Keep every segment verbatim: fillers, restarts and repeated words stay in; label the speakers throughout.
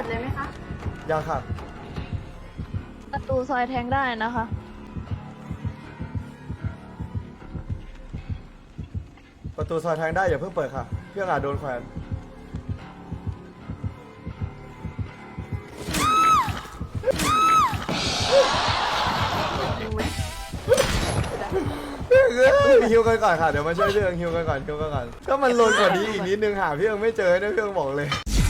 Speaker 1: ดเลยไหมคะ
Speaker 2: ยังค่ะ
Speaker 3: ประตูซอยแทงได้นะคะ
Speaker 2: ประตูซอยแทงได้อย่าเพิ่งเปิดค่ะเพื่อนอาจโดนแขวนเฮ้ยฮิวกันก่อนค่ะเดี๋ยวมาช่วยเรื่องฮิวกันก่อนฮิวกันก่อนถ้ามันลนกว่านี้อีกนิดนึงหาพี่ยังไม่เจอนะพี่ยังบอกเลย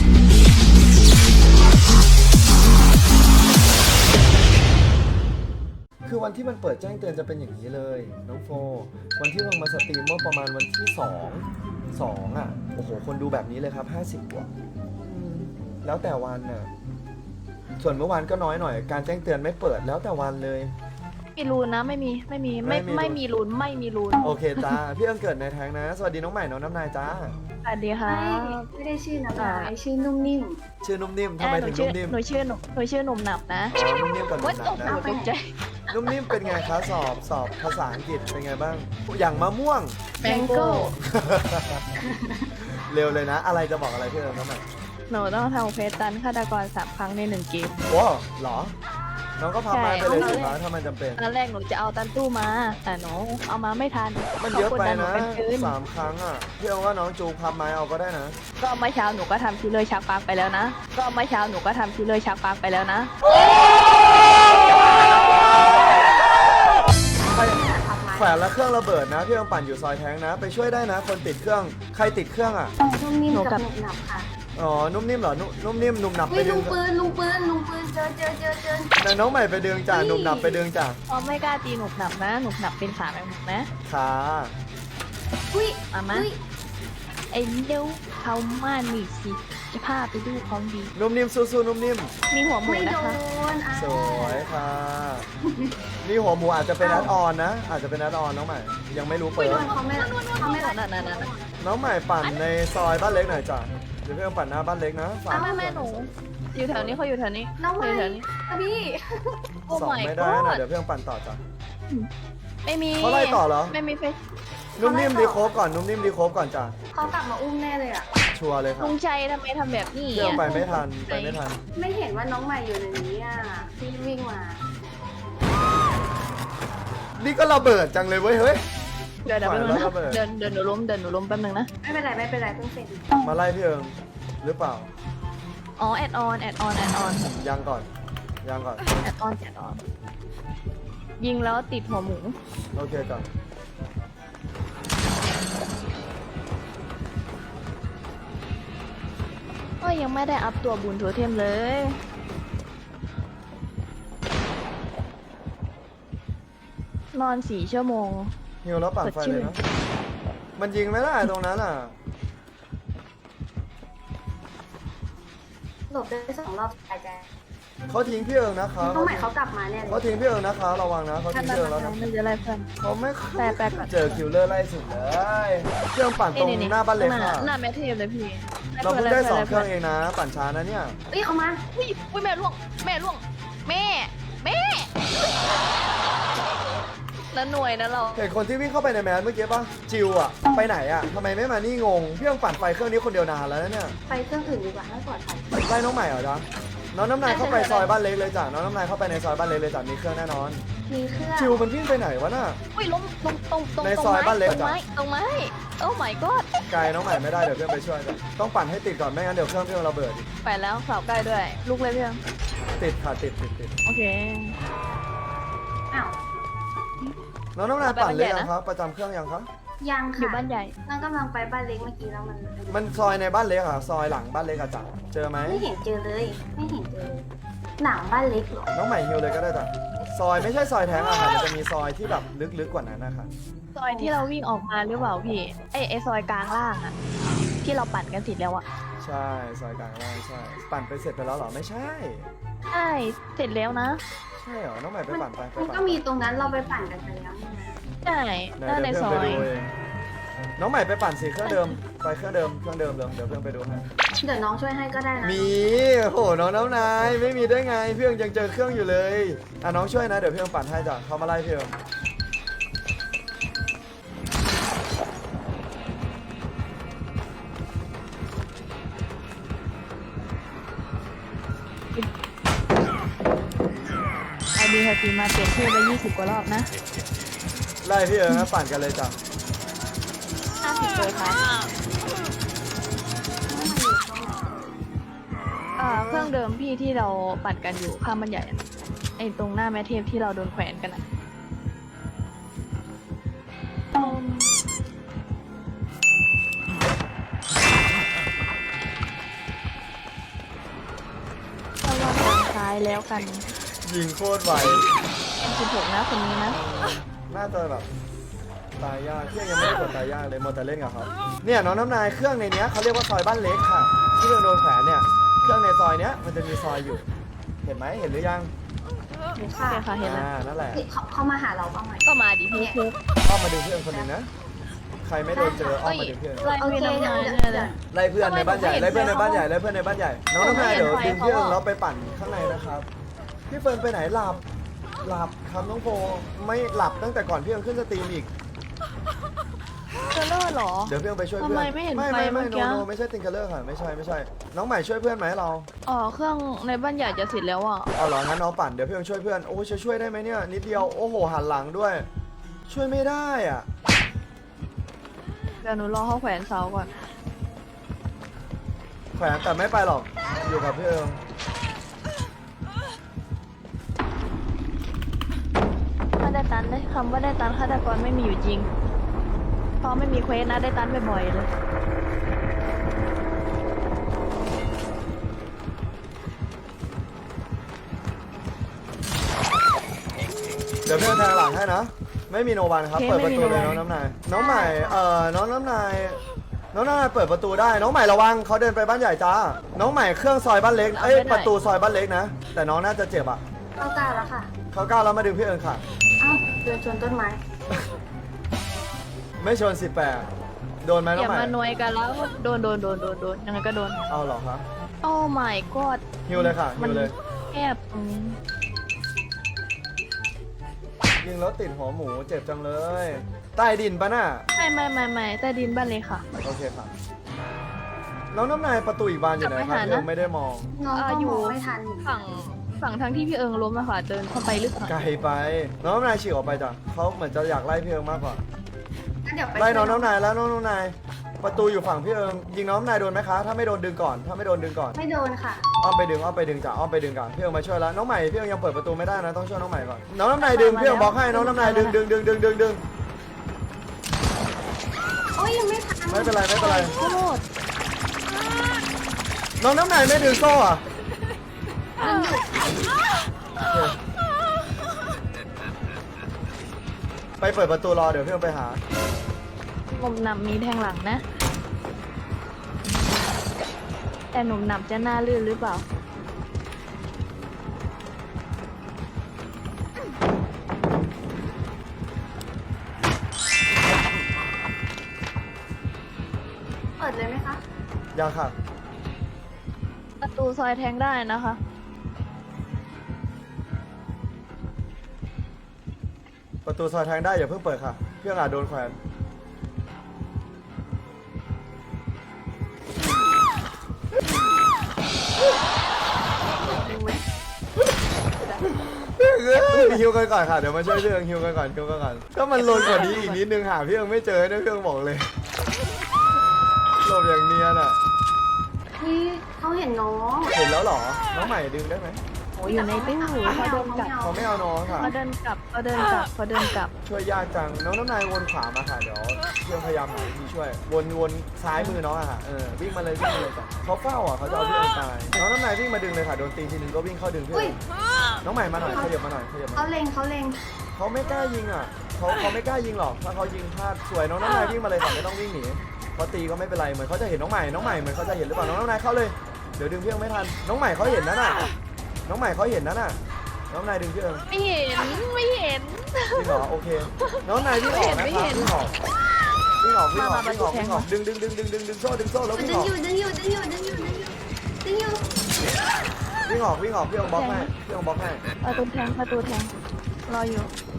Speaker 2: คือวันที่มันเปิดแจ้งเตือนจะเป็นอย่างนี้เลยน้องโฟวันที่เพิ่งมาสตรีมเมื่อประมาณวันที่สองสองอ่ะโอ้โหคนดูแบบนี้เลยครับห้าสิบกว่าแล้วแต่วันน่ะส่วนเมื่อวานก็น้อยหน่อยการแจ้งเตือนไม่เปิดแล้วแต่วันเลย
Speaker 3: มีรูนนะไม่มีไม่มีไม่ไม่มีรูนไม่มีรูน
Speaker 2: โอเคจ้าพี่เอิงเกิดในแท้งนะสวัสดีน้องใหม่น้องน้ำนายจ้า
Speaker 3: สวัสดีค่ะ
Speaker 1: ไม่ได้ชื่อน้ำนายชื่อนุ่มนิ่ม
Speaker 2: ชื่อนุ่มนิ่มทำไมถึงนุ่มนิ่ม
Speaker 3: หนูชื่อหนูหนูชื่อหนุ่มหนับนะ
Speaker 2: อ๋อนุ่มนิ่มกับหนุ่มหนับนะ
Speaker 3: ตกใจ
Speaker 2: นุ่มนิ่มเป็นไงคะสอบสอบภาษาอังกฤษเป็นไงบ้างอย่างมะม่วง
Speaker 3: แมงโก้
Speaker 2: เร็วเลยนะอะไรจะบอกอะไรพี่เอิงน้องใหม่
Speaker 3: หนูต้องทำเฟสตันฆาตกรสามครั้งในหนึ่งเกม
Speaker 2: โอ้หรอน้องก็พามาไปเลยสิคะถ้ามันจำเป็น
Speaker 3: ตอนแรกหนูจะเอาตันตู้มาแต่หนูเอามาไม่ทัน
Speaker 2: มันเยอะไปนะสามครั้งอ่ะพี่เอาว่าน้องจูพับไม้เอาก็ได้นะ
Speaker 3: ก็เมื่อเช้าหนูก็ทำคิลเลอร์ชักปากไปแล้วนะก็เมื่อเช้าหนูก็ทำคิลเลอร์ชักปากไปแล้วนะ
Speaker 2: แขวนแล้วเครื่องระเบิดนะพี่ยังปั่นอยู่ซอยแท้งนะไปช่วยได้นะคนติดเครื่องใครติดเครื่องอ่ะ
Speaker 1: นุ่มนิ่มกับหนุบหนับค่ะ
Speaker 2: อ๋อนุ่มนิ่มเหรอนุ่มนิ่มหนุ่มหนับไปดึง
Speaker 1: ลุงปืนลุงปืนลุงปืนเจอเจอเจอเจอ
Speaker 2: น้องใหม่ไปดึงจ่าหนุ่มหนับไปดึงจ่า
Speaker 3: อ๋อไม่กล้าตีหนุบหนับนะหนุบหนับเป็นขาแมงมุมนะ
Speaker 2: ค่ะ
Speaker 1: อุ้ย
Speaker 3: มามาไอ้เลี้ยวเขามาหนีสิจะพาไปดูของดี
Speaker 2: นุ่มนิ่มสู้ๆนุ่มนิ่ม
Speaker 3: มีหัวหมูนะคะ
Speaker 2: สวยค่ะมีหัวหมูอาจจะเป็นนัดออนนะอาจจะเป็นนัดออนน้องใหม่ยังไม่รู้เปิด
Speaker 1: เขาไม่เขาไม่
Speaker 3: นั่นนั่นนั่น
Speaker 2: น้องใหม่ปั่นในซอยบ้านเล็กหน่อยจ้ะเดี๋ยวเพื่อนปั่นหน้าบ้านเล็กนะ
Speaker 3: ฝากแม่แม่หนูอยู่แถวนี้เขาอยู่แถวนี้
Speaker 1: น้องใหม่
Speaker 3: แถวนี้
Speaker 1: พี่
Speaker 2: สองไม่ได้นะเดี๋ยวเพื่อนปั่นต่อจ้ะ
Speaker 3: ไม่มี
Speaker 2: เขาไล่ต่อเหรอ
Speaker 3: ไม่มีเฟซ
Speaker 2: นุ่มนิ่มดีโคบก่อนนุ่มนิ่มดีโคบก่อนจ้ะ
Speaker 1: เขากลับมาอุ้มแน่เลยอ่ะ
Speaker 2: ชัวร์เลยครับ
Speaker 3: ลุงชัยทำไมทำแบบนี้
Speaker 2: เพื่อนไปไม่ทันไปไม่ทัน
Speaker 1: ไม่เห็นว่าน้องใหม่อยู่ในนี้อ่ะพี่วิ่งมา
Speaker 2: นี่ก็ระเบิดจังเลยเว้ยเฮ้ย
Speaker 3: เดินเดินเดินเดินหนูล้มเดินหนูล้มแป๊บนึงนะ
Speaker 1: ไม่เป็นไรไม่เป็นไรเพิ่งเสร็จ
Speaker 2: มาไล่พี่เอิงหรือเปล่า
Speaker 3: อ๋อแอดออนแอดออนแอดออน
Speaker 2: ยังก่อนยังก่อน
Speaker 3: แอดออนแอดออนยิงแล้วติดหัวหมู
Speaker 2: โอเคก่อน
Speaker 3: ก็ยังไม่ได้อัพตัวบุญโทเทมเลยนอนสี่ชั่วโมง
Speaker 2: หิวแล้วปั่นไฟเลยนะมันยิงไม่ได้ตรงนั้นอ่ะ
Speaker 1: หลบได้สองรอบหายใจ
Speaker 2: เขาทิ้งพี่เอิงนะครับ
Speaker 1: น้องใหม่เขากลับมาเนี่ย
Speaker 2: เขาทิ้งพี่เอิงนะคะระวังนะเขาทิ้งพี่เอิงแล้วนะ
Speaker 3: ไม่จะไล่เพื่อน
Speaker 2: เขาไม่
Speaker 3: แปลแปลก่อน
Speaker 2: เจอคิวเลอร์ไล่สุดเลยเครื่องปั่นตรงหน้าบ้านเล็กค่ะ
Speaker 3: หน้าแมทเทปเลยพี่
Speaker 2: เราเพิ่งได้สองเครื่องเองนะปั่นช้านะเนี่ย
Speaker 1: เอ้ยเขามา
Speaker 3: อุ้ยอุ้ยแม่ล่วงแม่ล่วงแม่แม่แล้วหน่วยนะเรา
Speaker 2: เห็นคนที่วิ่งเข้าไปในแมสเมื่อกี้ป่ะจิวอะไปไหนอะทำไมไม่มานี่งงพี่ต้องปั่นไฟเครื่องนี้คนเดียวนานแล้วเนี่ย
Speaker 1: ไปเครื่องอื่นดีกว่าให้ปลอดภัย
Speaker 2: ไล่น้องใหม่เหรอจ๊ะน้องน้ำนายเข้าไปซอยบ้านเล็กเลยจ้ะน้องน้ำนายเข้าไปในซอยบ้านเล็กเลยจ้ะมีเครื่องแน่นอน
Speaker 1: มีเครื่อง
Speaker 2: จิวมันวิ่งไปไหนวะน่ะ
Speaker 3: อุ้ยล้มตรงตรงตรง
Speaker 2: ในซอยบ้านเล็ก
Speaker 3: จ้ะตรงไม้โอ้ my god
Speaker 2: ไกลน้องใหม่ไม่ได้เดี๋ยวเพื่อนไปช่วยจ้ะต้องปั่นให้ติดก่อนไม่งั้นเดี๋ยวเครื่องเพื่อนระเบิด
Speaker 3: ไปแล้วเสาใกล้ด้วยลูกเลยเพื่อน
Speaker 2: ติดค่ะติดติดติด
Speaker 3: โอเค
Speaker 1: อ้าว
Speaker 2: น้องน้ำนายปั่นเลยยังครับประจำเครื่องยังครับ
Speaker 1: ยังค่ะ
Speaker 3: อยู่บ้านใหญ่
Speaker 1: น้องกำลังไปบ้านเล็กเมื่อกี้แล้วมัน
Speaker 2: มันซอยในบ้านเล็กอะซอยหลังบ้านเล็กอะจ้ะเจอไหม
Speaker 1: ไม่เห็นเจอเลยไม่เห็นเจอหนังบ้านเล็กหรอ
Speaker 2: น้องใหม่ฮิวเลยก็ได้จ้ะซอยไม่ใช่ซอยแท้งอะค่ะมันจะมีซอยที่แบบลึกๆกว่านั้นนะคะ
Speaker 3: ซอยที่เราวิ่งออกมาหรือเปล่าพี่ไอไอซอยกลางล่างอะที่เราปั่นกันเสร็จแล้วอะ
Speaker 2: ใช่ซอยกลางล่างใช่ปั่นไปเสร็จไปแล้วเหรอไม่ใช่
Speaker 3: ใช่เสร็จแล้วนะ
Speaker 2: ใช่เหรอน้องใหม่ไปปั่นไป
Speaker 1: มันก็มีตรงนั้นเราไปปั่นกันไปแล้ว
Speaker 3: ใช่ด้านในซอย
Speaker 2: น้องใหม่ไปปั่นสิเครื่องเดิมไปเครื่องเดิมเครื่องเดิมเลยเดี๋ยวเพื่อนไปดูให้
Speaker 1: เดี๋ยวน้องช่วยให้ก็ได้นะ
Speaker 2: มีโหน้องน้ำนายไม่มีได้ไงเพื่อนยังเจอเครื่องอยู่เลยอ่ะน้องช่วยนะเดี๋ยวเพื่อนปั่นให้จ้ะเขามาไล่เพื่อน
Speaker 3: ดีสตรีมมาเปลี่ยนชื่อไปยี่สิบกว่ารอบนะ
Speaker 2: ไล่พี่เอิงนะปั่นกันเลยจ้ะ
Speaker 3: ห้าสิบเลยค่ะเอ่อเครื่องเดิมพี่ที่เราปั่นกันอยู่ข้ามบันใหญ่อะไอ้ตรงหน้าแม่เทพที่เราโดนแขวนกันอะอืมระวังทางซ้ายแล้วกัน
Speaker 2: ยิงโคตรไว
Speaker 3: สิบหกนะคนนี้นะ
Speaker 2: น่าจะแบบตายยากพี่ยังไม่ได้กดตายยากเลยมัวแต่เล่นกับเขาเนี่ยน้องน้ำนายเครื่องในเนี้ยเขาเรียกว่าซอยบ้านเล็กค่ะที่เราโดนแขวนเนี่ยเครื่องในซอยเนี้ยมันจะมีซอยอยู่ เห็นไหมเห็นหรือยัง
Speaker 1: หรือ
Speaker 3: โอ
Speaker 1: ค่ะ
Speaker 3: เคค่ะเห็นแล้ว
Speaker 2: อ่านั่นแหละ
Speaker 1: เขาเขามาหาเราบ้างไหม
Speaker 3: ก็มาดิพี่คุก
Speaker 2: อ้อมมาดึงเพื่อนคนหนึ่งนะใครไม่โดนเจออ้อมมาดึงเพื่อน
Speaker 3: ไล่
Speaker 1: โอ
Speaker 3: พี่
Speaker 1: เค
Speaker 3: น้ำ
Speaker 1: เดี๋ย
Speaker 3: นาว ย
Speaker 1: เดี๋ยว
Speaker 3: เนี่ย
Speaker 1: เดี๋
Speaker 3: เลย
Speaker 1: วย
Speaker 2: ไล่เพื่อนในบ้านใหญ่ไล่เพื่อนในบ้านใหญ่ไล่เพื่อนในบ้านใหญ่น้องน้ำนายเดี๋ยวดึงพี่เอิงแล้วไปปั่นข้างในนะครับพี่เฟิร์นไปไหนหลับหลับครับน้องโฟไม่หลับตั้งแต่ก่อนพี่เอิงขึ้นสตรีมอีก
Speaker 3: เจอเลอร์เหรอ
Speaker 2: เดี๋ยวพี่เอิงไปช่วยเพื่อน
Speaker 3: ทำไมไม่เห็น
Speaker 2: ไม่
Speaker 3: ไฟ
Speaker 2: ไม่ไม่
Speaker 3: เมื่อ
Speaker 2: โน
Speaker 3: กี้
Speaker 2: โนไม่ใช่ติงเกอร์เลอร์ค่ะไม่ใช่ไม่ใช่น้องใหม่ช่วยเพื่อนไหมเรา
Speaker 3: อ๋อเครื่องในบ้านใหญ่จะเสร็จแล้วอ่ะ
Speaker 2: เอาเหรองั้นน้องปั่นเดี๋ยวพี่เอิงช่วยเพื่อนโอ้จะช่วยได้ไหมเนี่ยนิดเดียวโอ้โหหันหลังด้วย ช่วยไม่ได้อ่ะ
Speaker 3: เดี๋ยวหนูรอเขาแขวนเสาก่อน
Speaker 2: แขวนแต่ไม่ไปหรอกอยู่กับพี่เอิง
Speaker 3: ถ้าได้ตันได้คำว่าได้ตันฆาตกรไม่มีอยู่จริงเพราะไม่มีเควสนะได้ตันบ่อยๆเลย
Speaker 2: เดี๋ยวพี่เอิงแทงหลังให้นะไม่มีโนวันครับเปิดประตูเลยน้องน้ำนายน้องใหม่เอ่อน้องน้ำนายน้องน้ำนายเปิดประตูได้น้องใหม่ระวังเขาเดินไปบ้านใหญ่จ้าน้องใหม่เครื่องซอยบ้านเล็กเอ้ยประตูซอยบ้านเล็กนะแต่น้องน่าจะเจ็บอ่ะ
Speaker 1: เรากล้าแล้วค่ะ
Speaker 2: เขาก้าวแล้วมาดึงพี่เอิงค่ะ
Speaker 1: เอ้าเดินชนต้นไม้
Speaker 2: ไม่ชนสิบแปดโดนไหม
Speaker 3: อ
Speaker 2: น้อง
Speaker 3: ย่า
Speaker 2: ใหม่
Speaker 3: มาหน่วยกันแล้วโดนโดนโดนโดนโดนยังไงก็โดน
Speaker 2: เอาเหรอครับ
Speaker 3: โอ้ my god
Speaker 2: ฮิวเลยค่ะฮิ
Speaker 3: มัน
Speaker 2: วเลย
Speaker 3: แคบตรงนี้
Speaker 2: ยิงแล้วติดหัวหมูเจ็บจังเลยใต้ดินปะน่ะ
Speaker 3: ไม่ไม่ไม่ไม่ใต้ดินบ้านเลยค่ะ
Speaker 2: โอเคครับน้องน้ำนายประตูอีกบานอยู่ไหนครับ
Speaker 3: กลับไปหานะ
Speaker 2: พี่เอิงไม่ได้มอง
Speaker 1: น้อง
Speaker 3: อ่า
Speaker 1: ก็
Speaker 3: อยู่
Speaker 1: มองไม่ทัน
Speaker 3: ฝั่งฝั่งทางที่พี่เอิงล้มอะค่ะเดินเข้าไปลึกหน่อย
Speaker 2: ไกลไป น้องน้ำนายฉีกออกไปจ้ะเขาเหมือนจะอยากไล่พี่เอิงมากกว่า
Speaker 1: งั้นเดี๋ยวไป
Speaker 2: ไล่น้อง
Speaker 1: ช่วย
Speaker 2: น้ำนายแล้วน้องน้ำนายประตูอยู่ฝั่งพี่เอิงยิงน้องน้ำนายโดนไหมคะถ้าไม่โดนดึงก่อนถ้าไม่โดนดึงก่อน
Speaker 1: ไม่โดนค่ะ
Speaker 2: อ้อมไปดึงอ้อมไปดึงจ้ะอ้อมไปดึงก่อนพี่เอิงมาช่วยแล้วน้องใหม่พี่เอิงยังเปิดประตูไม่ได้นะต้องช่วยน้องใหม่ก่อนน้องน้ำนายดึงพี่เอิงบอกให้น้องน้ำนายดึงดึงดึงดึงดึงดึง
Speaker 1: โอ้ยยังไม่ทัน
Speaker 2: ไม่เป็นไรไม่เป็นไร
Speaker 3: โคตร
Speaker 2: น้องน้ำนายไม่ดึงโซ่อะไปเปิดประตูรอเดี๋ยวพี่เอิงไปหา
Speaker 3: หนุ่มหนำมีแทงหลังนะ แต่หนุ่มหนำจะหน้าลื่นหรือเปล่า
Speaker 1: เปิดเลยไหมคะ
Speaker 2: ยังค่ะ
Speaker 3: ประตูซอยแทงได้นะคะ
Speaker 2: ประตูซอยทางได้อย่าเพิ่งเปิดค่ะพี่เอิงอาจโดนแขวน
Speaker 1: ดูไหม
Speaker 2: พี่เอิงฮิวกันก่อนค่ะเดี๋ยวมาช่วยพี่เอิงฮิวกันก่อนฮิวกันก่อนถ้ามันลนกว่านี้อีกนิดนึงหาพี่เอิงไม่เจอนะพี่เอิงบอกเลยหลบอย่างเนียนอ่ะ
Speaker 1: พี่เขาเห็นน้อง
Speaker 2: เห็นแล้วเหรอน้องใหม่ดึงได้ไหม
Speaker 3: โอ้ยอยู่ในตู้เขาเดินกลับ
Speaker 2: เขาไม่เอาน้องค่ะ
Speaker 3: เขาเดินกลับเขาเดินกลับเขาเดินกลับ
Speaker 2: ช่วยยากจังน้องน้ำนายวนขวามาค่ะเดี๋ยวเพื่อนพยายามหาวิธีช่วยวนวนซ้ายมือน้องอะค่ะเออวิ่งมาเลยวิ่งมาเลยจ้ะเขาเฝ้าอ่ะเขาจะเอาเพื่อนตายน้องน้ำนายวิ่งมาดึงเลยค่ะโดนตีทีนึงก็วิ่งเข้าดึงเพื่อ
Speaker 1: อุ้ย
Speaker 2: นน้องใหม่มาหน่อยขยับมาหน่อยขยับมา
Speaker 1: เขาเล็งเขาเล็ง
Speaker 2: เขาไม่กล้ายิงอ่ะเขาเขาไม่กล้ายิงหรอกถ้าเขายิงพลาดสวยน้องน้ำนายวิ่งมาเลยค่ะไม่ต้องวิ่งหนีเขาตีก็ไม่เป็นไรเหมือนเขาจะเห็นน้องใหม่น้องใหม่เหมือนเขาจะเห็นหรือเปล่าน้องน้ำนายเข้าเลยเดี๋ยวดึงเพื่อนไม่ทันน้องใหม่เขาเห็นนั่นน่ะน้องใหม่เขาเห็นนั่นน่ะน้องนายดึงเพื่อน
Speaker 3: ไม่เห็นไม่เห็น
Speaker 2: วิ่งออกโอเค น้องนายวิ่งออกนะค
Speaker 3: ไม่
Speaker 2: รับ
Speaker 3: เห็น
Speaker 2: วิ่งออกวิ่งออกวิ่งออก
Speaker 3: มามา
Speaker 2: วิ่งออก
Speaker 3: มา
Speaker 2: วิ่งออกดึงดึงดึงดึงดึงดึงโซ่ดึงโซ่แล้ว
Speaker 1: ดึ
Speaker 2: วิ่ง
Speaker 1: ง
Speaker 2: ออก
Speaker 1: อยู่ดึงอยู่ดึงอยู่ดึงอยู่ดึงอยู่ดึงอยู่
Speaker 2: วิ่งออกวิ่งออกพี่องบล็อกให้พี่องบล็อกให้
Speaker 3: ประตูแทงประตูแทงรออยู่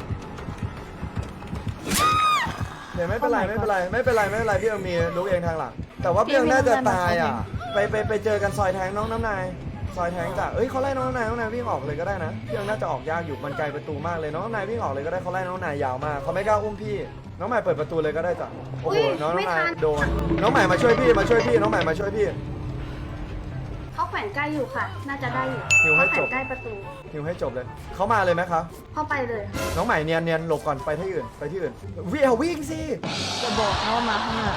Speaker 2: เดี๋ยวไม่เป็นไร
Speaker 3: Oh my
Speaker 2: ไม่เป็นไรไม่เป็นไรไม่เป็นไรพี่องมีลุกเองทางหลัง แต่ว่าพี่องน่าจะตายอ่ะไปไปไปเจอกันซอยแทงน้องน้ำนายซอยแทงจ้ะเอ้ยเขาไล่น้องนายน้องนายวิ่งออกเลยก็ได้นะพี่ยังน่าจะออกยากอยู่มันไกลประตูมากเลยน้องนายวิ่งออกเลยก็ได้เขาไล่น้องนายยาวมากเขาไม่กล้าอุ้มพี่น้องใหม่เปิดประตูเลยก็ได้จ้ะโอ้โหน้องน้องนายโดนน้องใหม่มาช่วยพี่มาช่วยพี่น้องใหม่มาช่วยพี่
Speaker 1: เขาแขวนใกล้อยู่ค่ะ น่าจะได้อยู่
Speaker 2: หิวให้
Speaker 1: เขาแข
Speaker 2: จ
Speaker 1: ว
Speaker 2: บ
Speaker 1: นใกล้ประตู
Speaker 2: หิวให้จบเลยเขามาเลยไหมคะ
Speaker 1: เข้าไปเลย
Speaker 2: น้องใหม่เนียนเนียนหลบก่อนไปที่อื่นไปที่อื่นวิ่งเอาวิ่งสิ
Speaker 3: จะบอกนะว่ามาข้างหน้า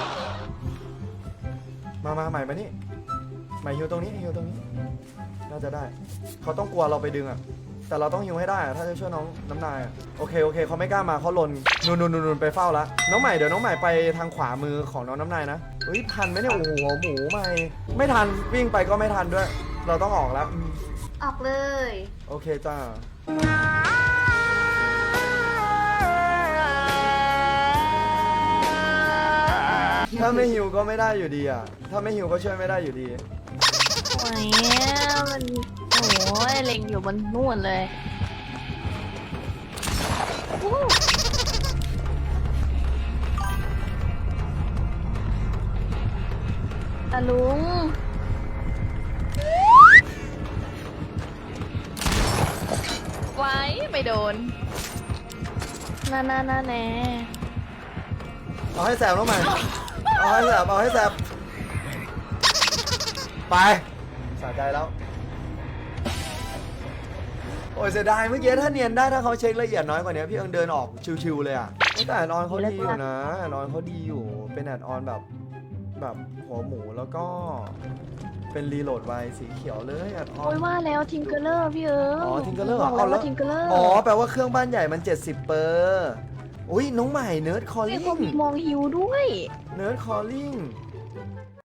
Speaker 2: มามาใหม่มานี่ใหม่ฮิวตรงนี้ฮิวตรงนี้น่าจะได้เขาต้องกลัวเราไปดึงอะแต่เราต้องฮิวให้ได้อะถ้าจะช่วยน้องน้ำนายอะโอเคโอเคเขาไม่กล้ามาเขาลนนูนนูนนูนไปเฝ้าละน้องใหม่เดี๋ยวน้องใหม่ไปทางขวามือของน้องน้ำนายนะเฮ้ยทันไหมเนี่ยโอ้โหหมูใหม่ไม่ทันวิ่งไปก็ไม่ทันด้วย เราต้องออกแล้วอืม
Speaker 1: ออกเลย
Speaker 2: โอเคจ้าถ้าไม่ฮิวก็ไม่ได้อยู่ดีอ่ะถ้าไม่ฮิวก็ช่วยไม่ได้อยู่ดี
Speaker 3: โอ้ยมันโอ้ยเล็งอยู่บนนู่นเลยวู้ตาลุงไว้ไม่โดนน่าน่าน่าแน่
Speaker 2: เอาให้แสบน้องใหม่เอาให้แสบเอาให้แสบไปสะใจแล้วโอ้ยเสียดายเมื่อกี้ถ้าเนียนได้ถ้าเขาเช็คละเอียดน้อยกว่านี้พี่เอิงเดินออกชิวๆเลยอ่ะแต่แอดออนเขาดีอยู่นะแอดออนเขาดีอยู่เป็นแอดออนแบบแบบหัวหมูแล้วก็เป็นรีโหลดไวสีเขียวเลยแอดออ
Speaker 3: โอ้
Speaker 2: น
Speaker 3: ยว่าแล้วทิงเกอร์เลอร์พี่เอิง
Speaker 2: อ๋อทิงเกอร์เลอร์
Speaker 3: บอก
Speaker 2: อ๋อ
Speaker 3: แล้ว
Speaker 2: แล้ว
Speaker 3: ว่าทิงเกอร์เลอร์
Speaker 2: อ๋อแปลว่าเครื่องบ้านใหญ่มันเจ็ดสิบเปอร์อุ้ยน้องใหม่เนิร์ดคอล
Speaker 3: นี่
Speaker 2: ลิ่
Speaker 3: เขา
Speaker 2: ง
Speaker 3: มีมองฮิวด้วย
Speaker 2: เนิร์ดคอลลิ่ง